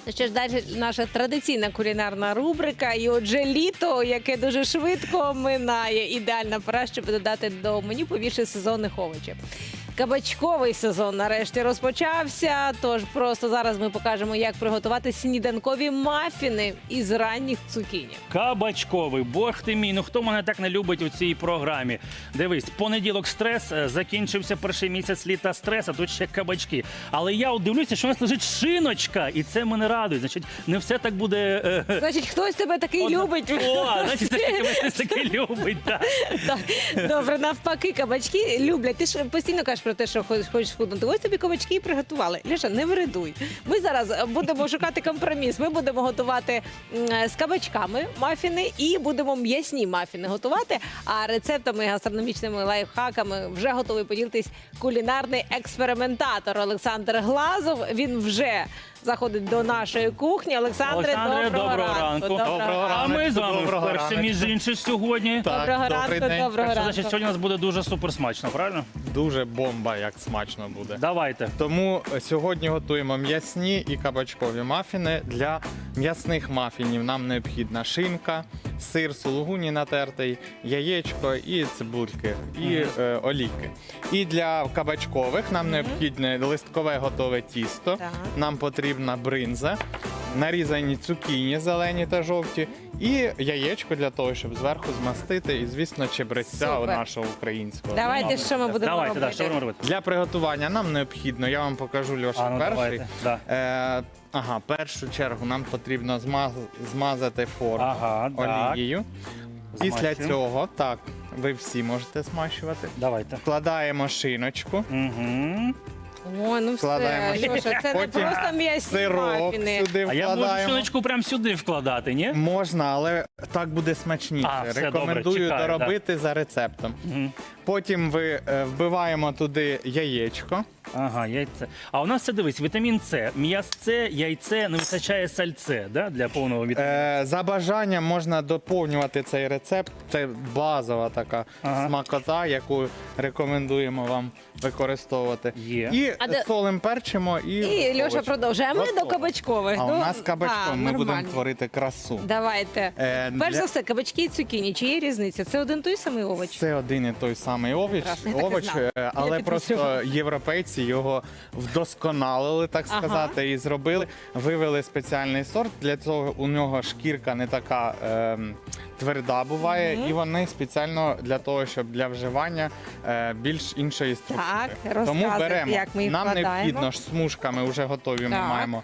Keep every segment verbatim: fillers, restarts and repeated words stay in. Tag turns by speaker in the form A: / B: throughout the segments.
A: Що ж, далі наша традиційна кулінарна рубрика. І отже, літо, яке дуже швидко минає. Ідеальна пора, щоб додати до меню побільше сезонних овочів. Кабачковий сезон нарешті розпочався, тож просто зараз ми покажемо, як приготувати сніданкові мафіни із ранніх цукіні.
B: Кабачковий, бог ти мій, ну хто мене так не любить у цій програмі? Дивись, понеділок стрес, закінчився перший місяць літа стрес, а тут ще кабачки. Але я от дивлюся, що у нас лежить шиночка, і це мене радує. Значить, не все так буде... е,
A: Значить, хтось тебе такий
B: одна-
A: любить.
B: О, значить, все ж таки мене хтось такий любить, так.
A: Так, добре, навпаки, кабачки люблять. Ти ж постійно кажеш про те, що хочеш хочеш схуднути. Ось тобі кабачки і приготували. Леша, не виридуй. Ми зараз будемо шукати компроміс. Ми будемо готувати м, з кабачками мафіни і будемо м'ясні мафіни готувати. А рецептами, гастрономічними лайфхаками вже готовий поділитись кулінарний експериментатор Олександр Глазов. Він вже заходить до нашої кухні. Олександре,
B: Олександре,
A: доброго,
B: доброго ранку.
A: Доброго
C: Доброго
B: А ми з вами
C: Доброго
B: вперше,
C: ранку.
B: між іншим, сьогодні.
C: Так,
A: Доброго
C: добрий
A: ранку,
C: день.
A: доброго
B: Так що,
A: ранку.
B: значить, сьогодні у нас буде дуже супер смачно, правильно?
C: Дуже бомба, як смачно буде.
B: Давайте.
C: Тому сьогодні готуємо м'ясні і кабачкові мафіни. Для м'ясних мафінів нам необхідна шинка, сир сулугуні натертий, яєчко і цибульки, і е, олійки. І для кабачкових нам необхідне листкове готове тісто,
A: Так.
C: нам потрібна бринза, нарізані цукіні зелені та жовті, і яєчко для того, щоб зверху змастити, і, звісно, чебреця
A: Супер.
C: нашого українського.
A: Давайте, що ми будемо
B: Давайте,
A: робити?
B: да, що будемо робити?
C: Для приготування нам необхідно, я вам покажу, Льоша,
B: А, ну,
C: перший.
B: давайте, да.
C: Е, ага, першу чергу нам потрібно змаз, змазати форму
B: Ага, так.
C: олією. Після
B: Змащуємо.
C: цього, так, ви всі можете смащувати.
B: Давайте.
C: Вкладаємо шиночку,
B: Угу.
A: О, ну все,
C: Вкладаємо.
A: Льоша, це не
C: Потім
A: просто м'ясні
C: сирок
A: мафіни.
C: сюди
B: А я можу
C: вкладаємо.
B: шиночку прямо сюди вкладати, ні?
C: Можна, але так буде смачніше.
B: А, все, добре,
C: Рекомендую
B: чекаю,
C: доробити за рецептом.
B: Угу.
C: Потім ви е, вбиваємо туди яєчко.
B: Ага, яйце. А у нас це, дивись, вітамін С. М'ясце, яйце, не вистачає сальце, да, для повного вітаміну.
C: Е, за бажанням можна доповнювати цей рецепт. Це базова така
B: Ага.
C: смакота, яку рекомендуємо вам використовувати.
B: Є.
C: І
A: А де-
C: солим, перчимо і.
A: І Льоша
C: овочі.
A: продовжує. А ми
C: Готово.
A: до кабачкових.
C: А
A: до...
C: у нас кабачком
A: А,
C: ми будемо
A: нормально.
C: творити красу.
A: Давайте.
C: Е,
A: Перш
C: для-
A: за все, кабачки і цукіні. Чи є різниця? Це один той самий овоч?
C: Це один і той самий овоч,
A: Прекрасно, я так і
C: овоч,
A: знала.
C: е, але
A: Я
C: просто
A: підозрювала.
C: європейці його вдосконалили, так
A: Ага.
C: сказати, і зробили. Вивели спеціальний сорт. Для цього у нього шкірка не така ем, тверда буває, і вони спеціально для того, щоб для вживання е, більш іншої структури.
A: Так,
C: Тому
A: розказуйте,
C: беремо.
A: як ми їх
C: Нам
A: вкладаємо.
C: необхідно ж смужками вже готові. Ми
A: Так.
C: маємо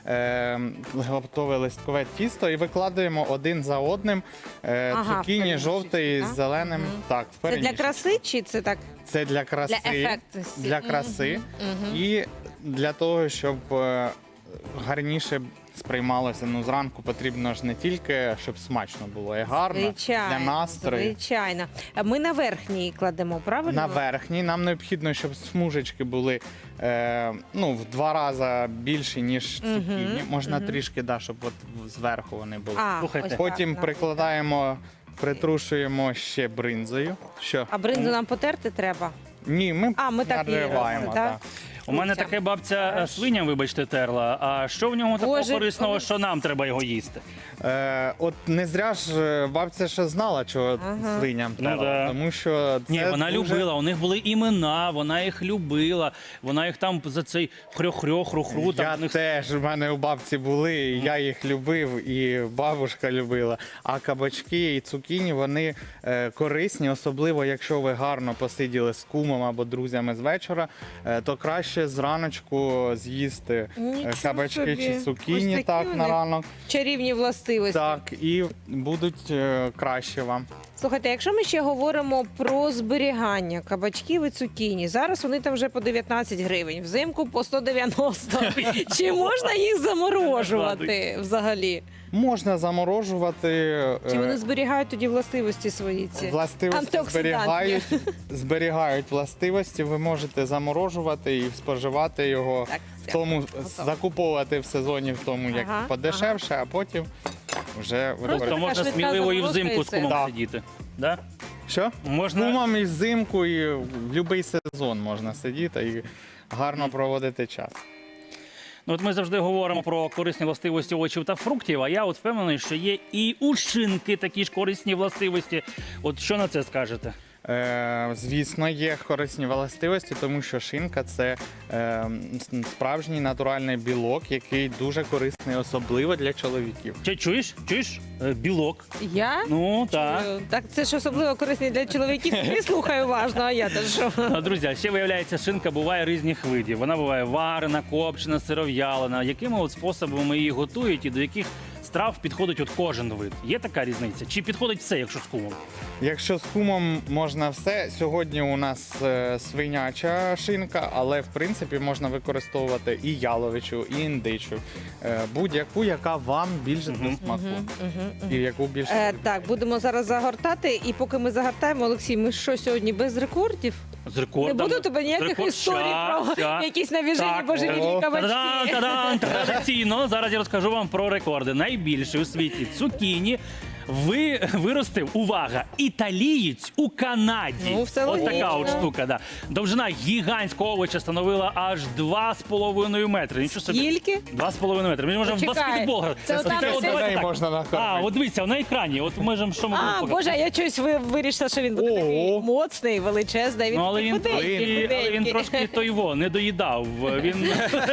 C: е, готове листкове тісто і викладаємо один за одним е,
A: Ага, в
C: цукіні
A: перемішці,
C: жовтий з
A: так?
C: зеленим. Так, в
A: Це для
C: перемішці.
A: краси чи це так?
C: Це для краси,
A: Для ефектності.
C: для краси
A: Мгм.
C: і для того, щоб е, гарніше сприймалося. Ну, зранку потрібно ж не тільки, щоб смачно було, і гарно
A: Звичайно,
C: для настрою.
A: звичайно. А ми на верхній кладемо, правильно?
C: На верхній нам необхідно, щоб смужечки були е, ну, в два рази більші, ніж цукіні. Можна трішки, да, щоб от зверху вони були.
A: А,
B: Слухайте.
A: ось
C: Потім
A: так,
C: прикладаємо, притрушуємо ще бринзою. Що?
A: А бринзу нам потерти треба?
C: Ні, ми,
A: А, ми так і
C: нариваємо.
A: робимо,
C: так.
A: так?
B: У мене таке бабця е, свиням, вибачте, терла. А що в ньому такого
A: Боже,
B: корисного,
A: коли-
B: що нам треба його їсти?
C: Е, от не зря ж е, бабця ще знала, чого
A: Ага.
C: свиням
B: Ну,
C: треба,
B: да.
C: тому що це
B: Ні, вона
C: дуже...
B: любила, у них були імена, вона їх любила, вона їх там за цей хрьох-хрьох, хру-хру, там
C: Я
B: в них...
C: теж, в мене у бабці були, і я їх любив, і бабушка любила. А кабачки і цукіні, вони е, корисні, особливо якщо ви гарно посиділи з кумом або друзями з вечора, е, то краще зраночку з'їсти е,
A: Нічого
C: кабачки
A: собі.
C: чи
A: Ось
C: цукіні
A: такі
C: так
A: вони.
C: на ранок.
A: Чарівні властивості.
C: Так, і будуть е, краще вам.
A: Слухайте, якщо ми ще говоримо про зберігання кабачків і цукіні, зараз вони там вже по дев'ятнадцять гривень, взимку по сто дев'яносто. Чи можна їх заморожувати взагалі?
C: Можна заморожувати. е,
A: Чи вони зберігають тоді властивості свої ці?
C: Властивості
A: Антиоксидантні.
C: зберігають, зберігають властивості, ви можете заморожувати і споживати його,
A: Так,
C: в
A: все,
C: тому,
A: готово.
C: закуповувати в сезоні в тому, як
A: Ага,
C: подешевше, а потім вже
A: Просто
B: Тобто
A: така
B: можна
A: швидка
B: сміливо і
A: заморозка,
B: взимку
A: і
B: з
A: все.
B: кумом
C: Да.
B: сидіти. Да?
C: Що?
B: Можна...
C: Кумам і взимку, і в будь-який сезон можна сидіти і гарно проводити час.
B: Ну, от ми завжди говоримо про корисні властивості овочів та фруктів, а я от впевнений, що є і у шинки такі ж корисні властивості. От що на це скажете?
C: Е, звісно, є корисні властивості, тому що шинка це е, с- справжній натуральний білок, який дуже корисний, особливо для чоловіків.
B: Чи чуєш? Чуєш? Е, Білок.
A: Я?
B: Ну, так.
A: Е, Так, це ж особливо корисний для чоловіків. Не слухай уважно, а я то що?
B: А, Друзі, а ще виявляється, шинка буває різних видів. Вона буває варена, копчена, сиров'ялена. Якими от способами її готують і до яких страв підходить от кожен вид? Є така різниця? Чи підходить все, якщо з кумом?
C: Якщо з кумом можна все, сьогодні у нас е, свиняча шинка, але в принципі можна використовувати і яловичу, і індичу, е, будь-яку, яка вам більше до смаку. І яку більше
A: Е,
C: любите.
A: так, будемо зараз загортати. І поки ми загортаємо, Олексій, ми що сьогодні без рекордів?
B: З рекордом.
A: Не буду тебе ніяких
B: Рекорд-
A: історій
B: Ща,
A: про
B: ща.
A: якісь навіжені
B: Так,
A: божевільні
C: о.
A: кабачки.
B: Та-дан, та-дан, традиційно. Зараз я розкажу вам про рекорди. Найбільший у світі цукіні ви виростив, увага, італієць у Канаді.
A: Ну, все
B: от така
A: логічно.
B: от штука. Да. Довжина гігантського овоча становила аж два з половиною метри. Нічого собі.
A: Скільки?
B: Два з половиною метри. Ми можемо в
A: Почекай,
B: баскетбол грати.
A: це
B: От
A: отам
B: це
A: десь-
B: от давайте
C: Неї
B: так.
C: можна накормити.
B: А, от дивіться, на екрані. От ми ж що ми
A: А,
B: будемо
A: Боже, а я щось ви вирішила, що він буде
C: Ого.
A: такий моцний, величезний. Він
B: Ну, але він,
A: такий худенький,
B: трошки, але він
A: худенький.
B: трошки той во, не доїдав. Він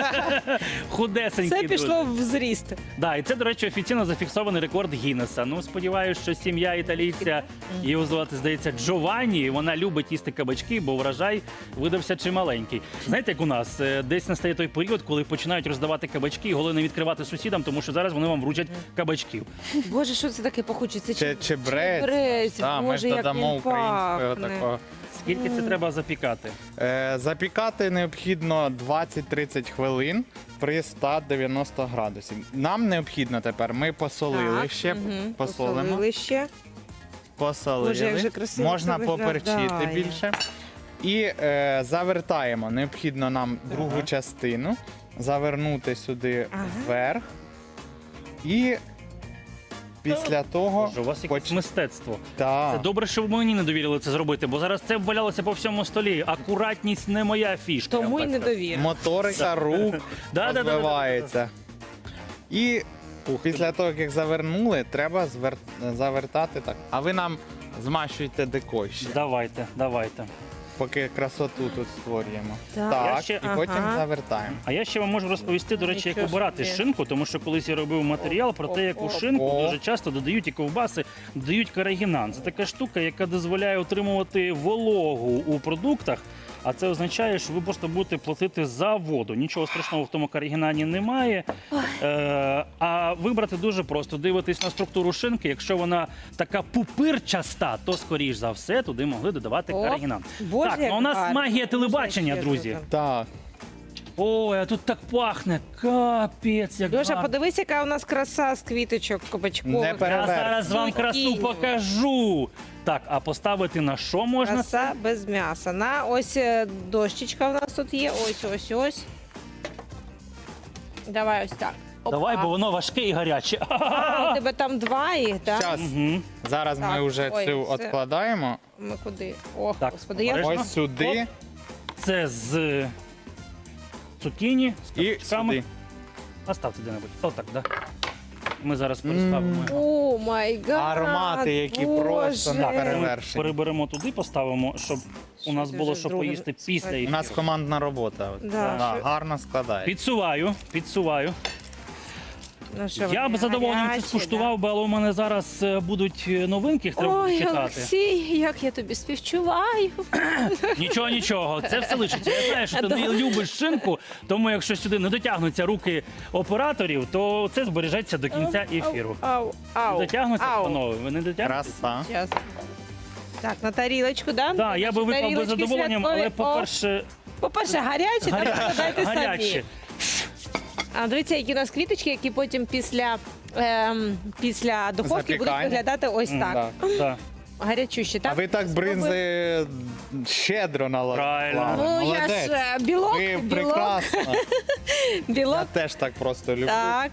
B: худесенький.
A: Це пішло
B: дуже.
A: в зріст.
B: Да, і це, до речі, офіційно зафіксований рекорд Гіннеса. Ну, сподіваюся, що сім'я італійця, її звати, здається, Джованні, вона любить їсти кабачки, бо врожай видався чималенький. Знаєте, як у нас, е, десь настає той період, коли починають роздавати кабачки, і головне не відкривати сусідам, тому що зараз вони вам вручать кабачків.
A: Боже, що це таке пахуче? Це
C: Чи, чебрець.
A: чебрець.
C: Да, ми
A: Боже,
C: ж
A: як
C: додамо
A: він
C: українського
A: пахне.
C: такого.
B: Скільки це треба запікати?
C: Е, запікати необхідно двадцять-тридцять хвилин при ста дев'яноста градусів. Нам необхідно тепер, ми посолили
A: Так,
C: ще,
A: мгм,
C: посолимо,
A: посолили ще.
C: посолили,
A: Боже, як же красиво
C: можна
A: це
C: поперчити
A: виглядає.
C: більше. І е, завертаємо. Необхідно нам другу
B: Ага.
C: частину завернути сюди
A: Ага.
C: вверх. І після того
B: Боже, у вас якесь
C: поч-
B: мистецтво.
C: та,
B: Це добре, що ви мені не довірили це зробити, бо зараз це б валялося по всьому столі. Акуратність не моя фішка. я
A: Тому
B: вам
A: й
B: так
A: не
B: скажу.
A: довір.
C: моторика рук
B: Да-да-да-да-да.
C: розвивається. І
B: Ух ти.
C: після того, як завернули, треба звер- завертати так. А ви нам змащуйте декой ще,
B: Давайте, давайте.
C: поки красоту тут створюємо.
A: Так.
C: Так,
B: Я ще-
C: і потім
A: Ага.
C: завертаємо.
B: А я ще вам можу розповісти, до речі, як
A: Нічого
B: обирати
A: собі.
B: шинку, тому що колись я робив матеріал про те, як у
A: О,
B: шинку
C: о.
B: дуже часто додають і ковбаси, додають карагінан. Це така штука, яка дозволяє отримувати вологу у продуктах. А це означає, що ви просто будете платити за воду. Нічого страшного в тому карагінані немає. Е, а вибрати дуже просто. Дивитись на структуру шинки. Якщо вона така пупирчаста, то скоріш за все туди могли додавати
A: О,
B: карагінан.
A: Боже,
B: так,
A: як
B: ну у нас
A: гарно.
B: магія
A: Боже,
B: телебачення,
A: як
B: друзі.
A: чесно.
C: Так,
B: Ой, а тут так пахне. Капець, як
A: Льоша,
B: гарно.
A: подивись, яка у нас краса з квіточок кабачкових.
C: Не пере-
B: Я зараз вам красу
A: Зукіні.
B: покажу. Так, а поставити на що можна?
A: Краса без м'яса. На ось е, дощечка у нас тут є. Ось, ось, ось. Давай ось так. Опа.
B: Давай, бо воно важке і гаряче.
A: А, у тебе там два їх, так?
C: час.
B: Мгм.
C: Зараз
A: Так,
C: ми вже
A: ой,
C: цю
A: це-
C: відкладаємо.
A: Ми куди? О,
B: Так,
A: господи, я
B: обережно.
C: Ось сюди
B: Це з цукіні, з
C: і
B: кабачками.
C: сюди.
B: Оставте де-небудь. Отак, да. Ми зараз переставимо.
A: О, май гад.
C: Аромати, які просто
A: Боже.
C: не перевершені.
B: Переберемо туди, поставимо, щоб у нас
A: Що
B: було
A: це
B: що
A: з другим
B: поїсти після
A: складі?
C: У нас
B: ефіру.
C: командна робота. От.
A: Да.
C: Да,
A: Що-
C: гарно складає.
B: Підсуваю, підсуваю.
A: Ну, що
B: Я
A: вони
B: б з задоволенням це
A: гарячі,
B: скуштував, би, але у мене зараз е, будуть е, новинки, їх
A: да?
B: треба буде
A: Ой,
B: читати.
A: Олексій, як я тобі співчуваю.
B: Нічого, нічого, це все лишиться. Я знаю, що ти не любиш шинку, тому якщо сюди не дотягнуться руки операторів, то це збережеться до кінця ефіру.
A: Ау, ау,
B: Не дотягнуться,
A: ау.
B: панове? Ви не дотягнете?
C: Краса.
A: Щас. Так, на тарілочку, да?
B: Так, я би випав би
A: Тарілочки
B: задоволенням,
A: святкові.
B: але, по-перше,
A: О, по-перше, гарячі, так додайте
B: гаряче.
A: самі. А дивіться, які у нас квіточки, які потім після, ем, після духовки будуть
C: Запікання.
A: виглядати ось
B: М,
A: так.
C: Так.
B: Так.
A: Гарячущі,
C: А
A: так?
C: ви так бринзи щедро наложили.
B: Правильно.
A: Ну, я ж е, білок,
C: Ви
A: білок,
C: прекрасно. Я
A: білок.
C: теж так просто люблю.
A: Так.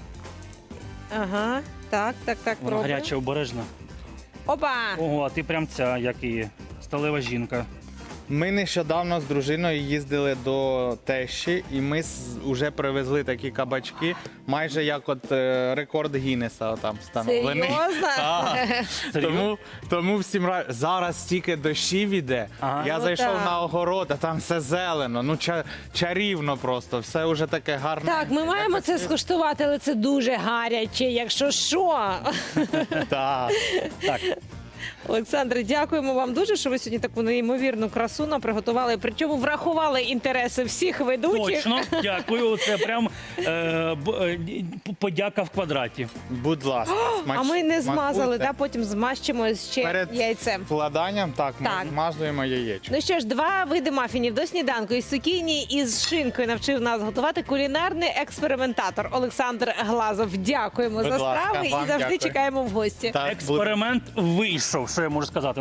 A: Ага, так, так, так,
B: Воно
A: пробуємо.
B: гаряче, обережно.
A: Опа!
B: Ого, а ти прям ця, як і сталева жінка.
C: Ми нещодавно з дружиною їздили до тещі, і ми вже привезли такі кабачки, майже як от е, рекорд Гіннеса там встановлений.
A: Серйозно?
C: Так.
B: Серйозно?
C: Тому, тому всім ра... зараз стільки дощів іде.
B: Ага.
C: Я
A: Ну,
C: зайшов
A: так.
C: на огород, а там все зелено, ну ча... чарівно просто, все вже таке гарне.
A: Так, ми маємо це скуштувати, але це дуже гаряче, якщо що.
C: Так.
B: Так.
A: Олександре, дякуємо вам дуже, що ви сьогодні таку неймовірну красу нам приготували. Причому врахували інтереси всіх ведучих.
B: Точно, дякую. Це прям е, б- е, подяка в квадраті.
C: Будь ласка, смач...
A: А ми не змазали,
C: смакуйте.
A: да? Потім змащимо ще
C: Перед
A: яйцем.
C: вкладанням, так, ми
A: Так.
C: змазуємо яєчко.
A: Ну що ж, два види мафінів до сніданку із цукіні і з шинкою навчив нас готувати кулінарний експериментатор Олександр Глазов. Дякуємо
C: Будь
A: за
C: ласка,
A: страви і
C: вам
A: завжди
C: дякую.
A: чекаємо в гості.
C: Так, буде.
B: Експеримент вийшов, що я можу сказати.